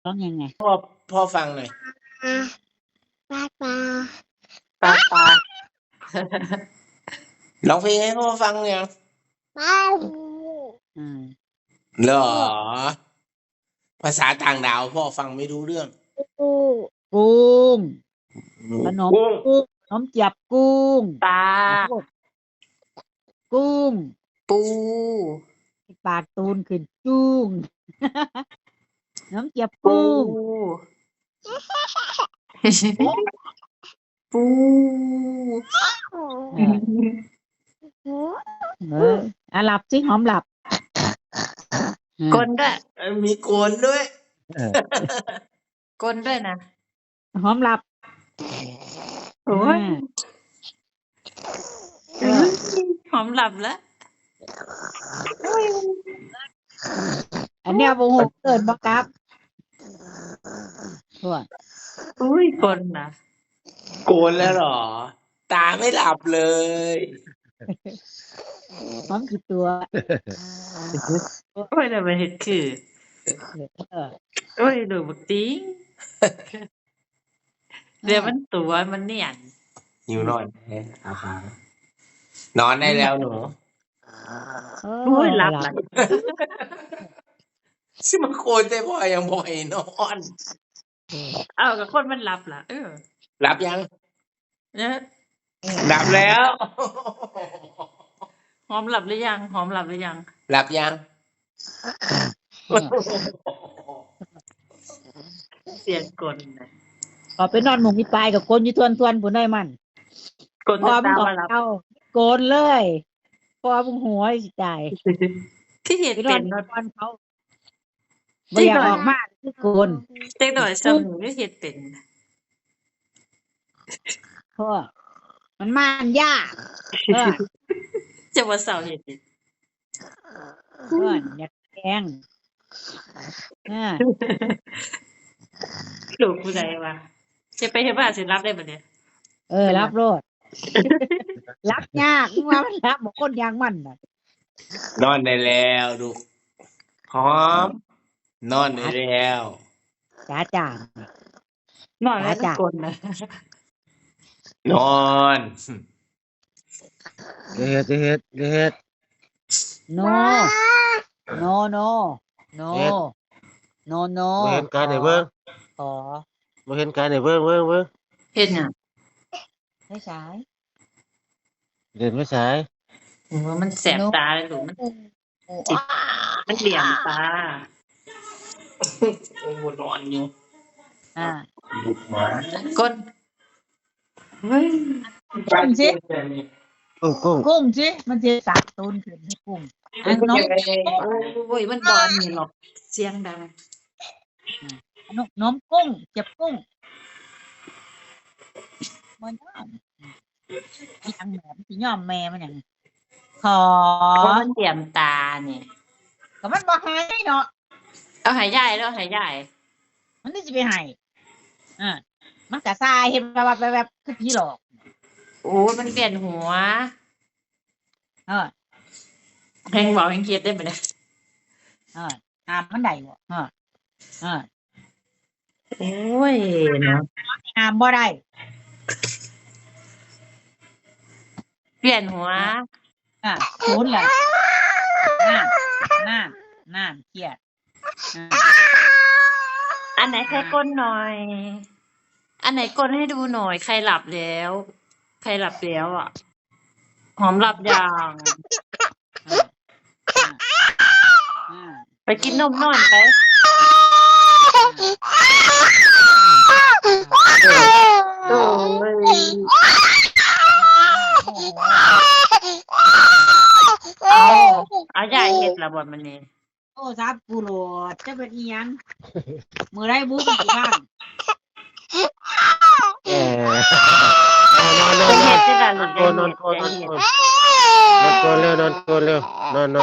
ร้องยังไงพ่อฟังหน่อยปลาปลาปลาปลาร้องเพลงให้พ่อฟังยังปลาอืมเหรอภาษาต่างดาวพ่อฟังไม่รู้เรื่องปูกุ้งขนมกุ้งกุ้งขนมเจียบกุ้งปลาขอโทษกุ้งปูปากตูนขึ้นจุ้ง น้ำเจียบปูกุ้งปูหลับสิหอมหลับกลด้วยมีโกนด้วยกลด้วยนะหอมหลับโอ้ยหอมหลับแล้วอันเนี้ยโมโหเกินบังคับทั่วอุ้ยกลนะโกนแล้วเหรอ ตาไม่หลับเลยหอมกี่ตัวโอ้ยเดี๋ยวไปเห็ดคือโอ้ยดูบักติ้งเดี๋ยวมันตัวมันเนียนหิวนอนอาปานอนได้แล้วหนูโอ้ยหลับละซิมาโกนได้พ่อยังบ่อยนอนเอากับคนมันหลับล่ะหลับยังเนี่ยหลับแล้วหอมหลับหรือยังหอมหลับหรือยังหลับยังเสียงกลนะพอไปนอนหมุงอีปลายกับโกนอยู่ทวนๆผู้ได้มันกลพอจะมึงตามออกมาหลับเอาโกนเลยพอมึงหัวสิตายที่เห็ดไปนอเป็น นนอนเขาไม่อยากออกมาคือโกนเด็กหน่อยสมุนที่เห็ดเป็นเพราะมันมันยากเออจะว่าเสาเห็ดเป็นเพื่อนอยากแกงลูกผู้ใดวะจะไปเห็นว่าสิรับได้ปะเนี่ยรับโลด รับยากมึงว่ามันรับบอกคนยางมันน่ะนอนได้แล้วลูกพร้อม นอนได้แล้วจ้าจ้านอนแล้วก็กลนะนอนเฮ็ดโนโนโนโนโนโนบ่เห็นการให้เบิ่งขอบ่เห็นการให้เบิ่งเห็ดเนี่ยไม่ใช่เล่นไม่สายว่ามันแสบตาเลยหรือมันมันเหลี่ยมตาโอ้นอนอยู่ ลูกหมากลเฮ้ยกุ้งสิกุ้งกุ้งสิมันจะสักตูนขึ้นให้กุ้งน้องโอ้ยมันบอลนี่หรอกเสียงดังน้องกุ้งเจ็บกุ้งมันย่อมยังแหมสิย่อมแม่มันอย่างขอเพราะมันเหลี่ยมตาเนี่ยก็มันบ่ให้เนาะเอาหายใหญ่แล้วหายใหญ่มันนี่สิไปให้มันกะทรายเห็นแบบคือผีหลอกโอ้มันเปลี่ยนหัว แหงบอกแหงเครียดได้ไหมเนี่ยมันได้บ่โอ้ยเนาะห้ามบ่ได้เปลี่ยนหัวศูนย์แหละน่าเครียดอันไหนใครก้นหน่อย อันไหนก้นให้ดูหน่อย ใครหลับแล้ว ใครหลับแล้วอ่ะ หอมหลับยังไปกินนมนอนไปโอ้ยเอาใหญ่เห็ดละบทมันนี่โอ้ซับกูโหลดจะเป็นอีหยังมื้อใดบุกอีกบ้างนอนเป็นเห็ดที่ละหลุดนอนใหญ่เห็ดเร็วนอนก่อนเร็วนอน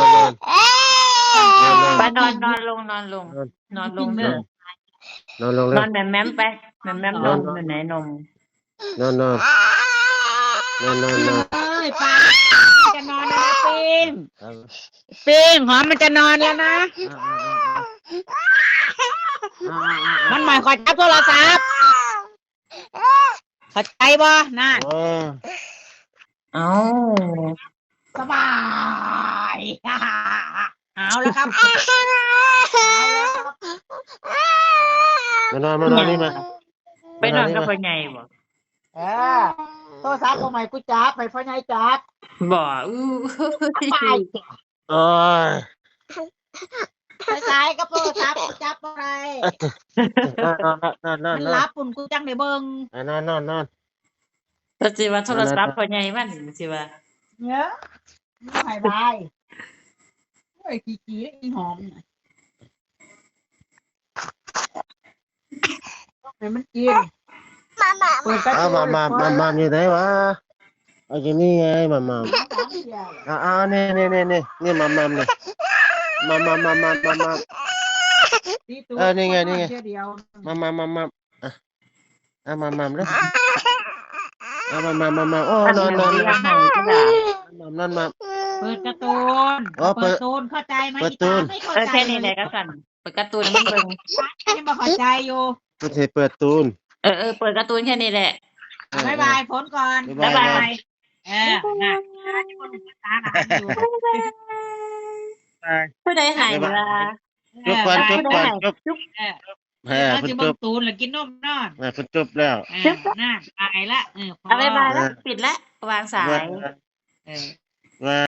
ไปนอนลงนอนลงเด้อนอนลงนเร็อวนแม่มไปแม่มนมอยู่ไหนนมนอนเอ้ยป้าจะนอนแล้วนะปิงหอมมันจะนอนแล้วนะมันหมายขอจับโทรศัพท์เข้าใจบ่น่ะโอ้เอาสบายเอาแล้วครับมานอนมานอนนี่มาไปนอนกับพ่อใหญ่บ่โทรศัพท์ของใหม่กูจับไปพ่อใหญ่จับบ่อู้ไปโอ้ยสายกับโทรศัพท์กูจับอะไรนอนมันรับปุ่นกูจังได้เบิ่งนอนแล้วสิว่าโทรศัพท์พ่อใหญ่มันสิว่าเนี่ยไม่หายบายโอ้ยขี้ๆอีหอมน่ะให้มันกินเปิดกระเอาจกมาอยู่ไหนวะเอาอยู่นี่ไงมานี่มาเนี่ยมานี่ไงนี่ไงเดียวมาเลยมาโอ้นอนเลี้ยงให้ก็ได้นอนมาเปิดการ์ตูนอ๋อเปิเปิดดตูนเข้าใจไหมเปิดตูนไม่เข้าเออใจแค่นี้แหละก็สั่นเปิดการ์ตูนให้มันเบิ่งยังไม่เข้าใจอยู่ไม่ใช่เปิดตูนเออเปิดการ์ตูนแค่นี้แหละบายบายผลก่อนบ๊ายบายน่ะที่คนตาหนาอยู่ผู้ใดหายเวลาจบก่อนจบเออแล้วเพิ่จะนเบิ่จงบตูนหรือกินนมนอนเพิ่นจบแล้วน่าตายละพอเอาบายบายแล้วปิดแล้ววางสายเออว่า